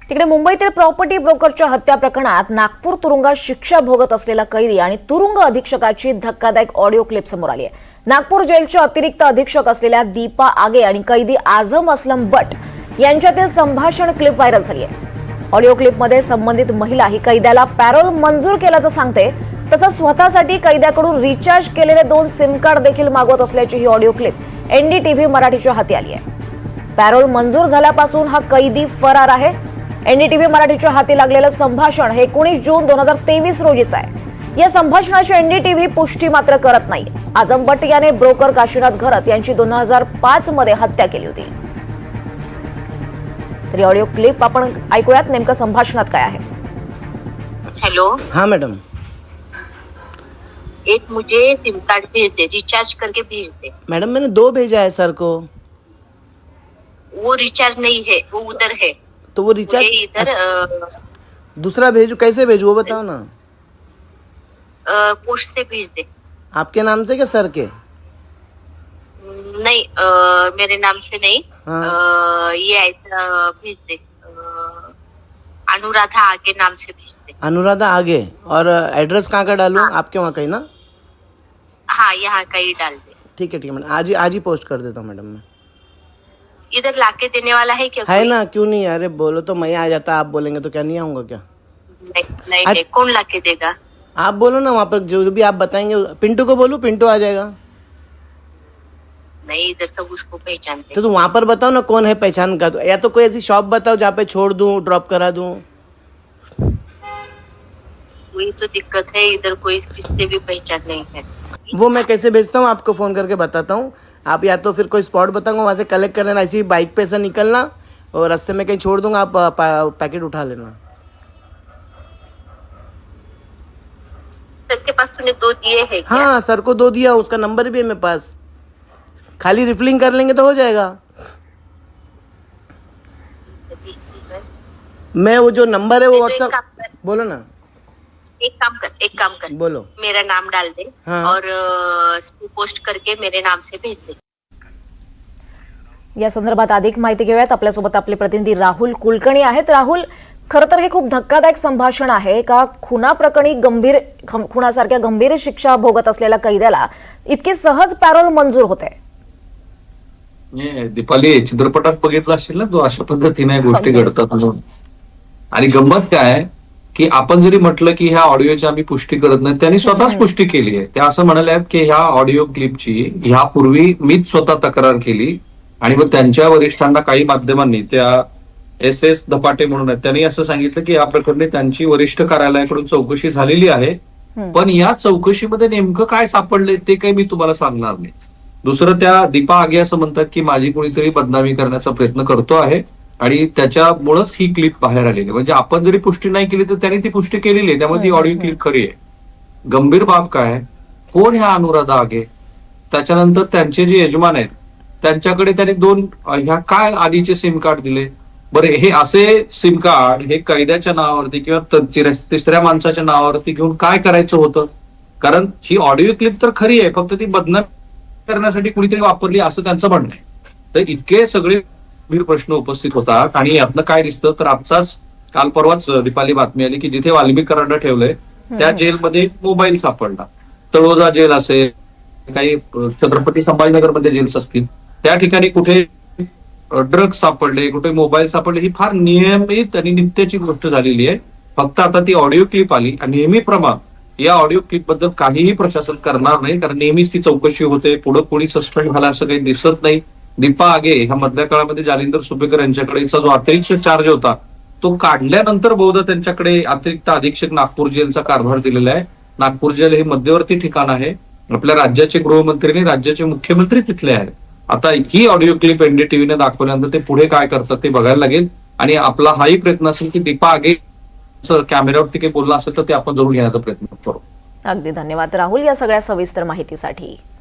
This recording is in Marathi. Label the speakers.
Speaker 1: तिकडे मुंबईतील प्रॉपर्टी ब्रोकरच्या हत्या प्रकरणात नागपूर तुरुंगात शिक्षा भोगत असलेला कैदी आणि तुरुंग अधीक्षकाची धक्कादायक ऑडिओ क्लिप समोर आली आहे। नागपूर जेलचे अतिरिक्त अधीक्षक असलेल्या दीपा आगे आणि कैदी आझम असलम बट यांच्यातील संभाषण क्लिप व्हायरल झाली आहे। ऑडिओ क्लिपमध्ये संबंधित महिला ही कैद्याला पॅरोल मंजूर केल्याचं सांगते, तसंच स्वतःसाठी कैद्याकडून रिचार्ज केलेले 2 सिम कार्ड देखील मागवत असल्याची ही ऑडिओ क्लिप एनडीटीव्ही मराठीच्या हाती आली आहे। पॅरोल मंजूर झाल्यापासून हा कैदी फरार आहे। एनडीटीव्ही मराठीच्या हाती लागलेलं संभाषण हे 19 जून 2023 रोजीचं आहे। या संभाषणाची एनडीटीव्ही पुष्टी मात्र करत नाही। आझम बट याने ब्रोकर काशीनाथ घरत यांची 2005 मध्ये हत्या केली होती। तरी ऑडिओ क्लिप आपण ऐकूयात, नेमकं संभाषणात काय आहे।
Speaker 2: हेलो,
Speaker 3: हाँ मैडम।
Speaker 2: एक मुझे सिम कार्ड भेज दे, रिचार्ज करके भेज दे।
Speaker 3: मैडम मैंने 2 भेजा है सर को।
Speaker 2: वो रिचार्ज नहीं है, वो उधर है।
Speaker 3: तो वो रिचार्ज
Speaker 2: मुझे इधर
Speaker 3: दूसरा भेजू, कैसे भेजू वो बताओ ना।
Speaker 2: पोस्ट से भेज दे।
Speaker 3: आपके नाम से क्या सर के?
Speaker 2: नहीं, मेरे नाम से नहीं।
Speaker 3: हाँ।
Speaker 2: ये ऐसा भेज दे, अनुराधा आगे नाम से भेज दे।
Speaker 3: अनुराधा आगे। और एड्रेस कहाँ का डालूं? आपके वहाँ कहीं ना?
Speaker 2: हाँ, यहाँ का ही डाल दे।
Speaker 3: ठीक है मैडम, आज ही पोस्ट कर देता हूँ मैडम मैं।
Speaker 2: इधर लाके देने वाला है क्या?
Speaker 3: है
Speaker 2: कोई?
Speaker 3: ना, क्यों नहीं? अरे बोलो तो मैं आ जाता, आप बोलेंगे तो क्या नहीं आऊंगा क्या?
Speaker 2: नहीं, नहीं, कौन लाके देगा?
Speaker 3: आप बोलो ना, वहाँ पर जो भी आप बताएंगे। पिंटू को बोलूं, पिंटू आ जाएगा।
Speaker 2: नहीं, इधर सब उसको पहचानते।
Speaker 3: तो वहाँ पर बताओ ना कौन है पहचान का। तो या तो कोई ऐसी शॉप बताओ जहाँ पे छोड़ दूं, ड्रॉप करा दूं।
Speaker 2: वही तो दिक्कत है, इधर कोई किससे भी पहचान नहीं है।
Speaker 3: वो मैं कैसे भेजता हूँ आपको फोन करके बताता हूँ। आप या तो फिर कोई स्पॉट बताऊंगा, वहाँ से कलेक्ट कर लेना, ऐसी बाइक पे से निकलना और रास्ते में कहीं छोड़ दूंगा, आप पैकेट उठा लेना।
Speaker 2: सर के पास तूने 2 दिए हैं क्या?
Speaker 3: हाँ सर को 2 दिया, उसका नंबर भी है मेरे पास। खाली रिफिलिंग कर लेंगे तो हो जाएगा। मैं वो जो नंबर है वो
Speaker 2: तो एक
Speaker 3: व्हाट्सएप,
Speaker 2: काम कर,
Speaker 3: बोलो ना।
Speaker 2: एक काम कर,
Speaker 3: बोलो।
Speaker 2: मेरा नाम डाल दे।
Speaker 3: हाँ।
Speaker 2: और पोस्ट करके मेरे नाम से भेज दे।
Speaker 1: या संदर्भात अधिक माहिती घेऊयात। आपल्यासोबत आपले प्रतिनिधी राहुल कुलकर्णी आहेत। राहुल, खरं तर हे खूप धक्कादायक संभाषण आहे का? खुनासारख्या गंभीर शिक्षा भोगत असलेल्या कैद्याला इतके सहज पॅरोल मंजूर होते?
Speaker 4: दीपाली, चित्रपटात बघितलं असेल ना, तो अशा पद्धतीने गोष्टी घडतात म्हणून। आणि गंमत काय की आपण जरी म्हटलं की ह्या ऑडिओची आम्ही पुष्टी करत नाही, त्यांनी स्वतःच पुष्टी केली आहे। ते असं म्हणाले आहेत की ह्या ऑडिओ क्लिपची ह्यापूर्वी मीच स्वतः तक्रार केली आणि मग त्यांच्या वरिष्ठांना काही माध्यमांनी, त्या SS धपाटे म्हणून आहेत, त्यांनी असं सांगितलं की या प्रकरणी त्यांची वरिष्ठ कार्यालयाकडून चौकशी झालेली आहे, पण या चौकशीमध्ये नेमकं काय सापडले ते काही मी तुम्हाला सांगणार नाही। दुसरं, त्या दीपा आगे असं म्हणतात की माझी कोणीतरी बदनामी करण्याचा प्रयत्न करतो आहे आणि त्याच्यामुळेच ही क्लिप बाहेर आलेली। म्हणजे आपण जरी पुष्टी नाही केली तर त्यांनी ती पुष्टी केलेली आहे, त्यामुळे ती ऑडिओ क्लिप खरी आहे। गंभीर बाब काय, कोण ह्या अनुराधा आगे? त्याच्यानंतर त्यांचे जे यजमान आहेत त्यांच्याकडे त्यांनी 2 ह्या काय आधीचे सिम कार्ड दिले? बरं, हे असे सिम कार्ड हे कैद्याच्या नावावरती किंवा तिसऱ्या माणसाच्या नावावरती घेऊन काय करायचं होतं? कारण ही ऑडिओ क्लिप तर खरी आहे, फक्त ती बदनामी करण्यासाठी कुणीतरी वापरली असं त्यांचं म्हणणं आहे। तर इतके सगळे गंभीर प्रश्न उपस्थित होतात आणि यातनं काय दिसतं तर आत्ताच काल परवाच दीपाली बातमी आली की जिथे वाल्मिक कराड ठेवलंय त्या जेलमध्ये मोबाईल सापडला। तळोजा जेल असेल, काही छत्रपती संभाजीनगरमध्ये जेल्स असतील, त्या ठिकाणी कुठे ड्रग्ज सापडले, कुठे मोबाईल सापडले, ही फार नियमित आणि नित्याची गोष्ट झालेली आहे। फक्त आता ती ऑडिओ क्लिप आली आणि नेहमीप्रमाणे या ऑडिओ क्लिप बद्दल काहीही प्रशासन करणार नाही, कारण नेहमीच ती चौकशी होते, पुढे कोणी सस्पेंड झाला असं काही दिसत नाही। दीपा आगे ह्या मधल्या काळामध्ये जालिंदर सुपेकर यांच्याकडेचा जो अतिरिक्त चार्ज होता तो काढल्यानंतर बहुधा त्यांच्याकडे अतिरिक्त अधीक्षक नागपूर जेलचा कारभार दिलेला आहे। नागपूर जेल हे मध्यवर्ती ठिकाण आहे, आपल्या राज्याचे गृहमंत्री आणि राज्याचे मुख्यमंत्री तिथले आहेत। आता ही ऑडिओ क्लिप एनडीटीव्हीने दाखवल्यानंतर ते पुढे काय करतात ते बघायला लागेल आणि आपला हाही प्रयत्न असेल की दीपा आगे कॅमेऱ्यावरती काही बोलला असेल तर ते आपण जरूर घेण्याचा प्रयत्न करू।
Speaker 1: अगदी धन्यवाद राहुल या सगळ्या सविस्तर माहितीसाठी।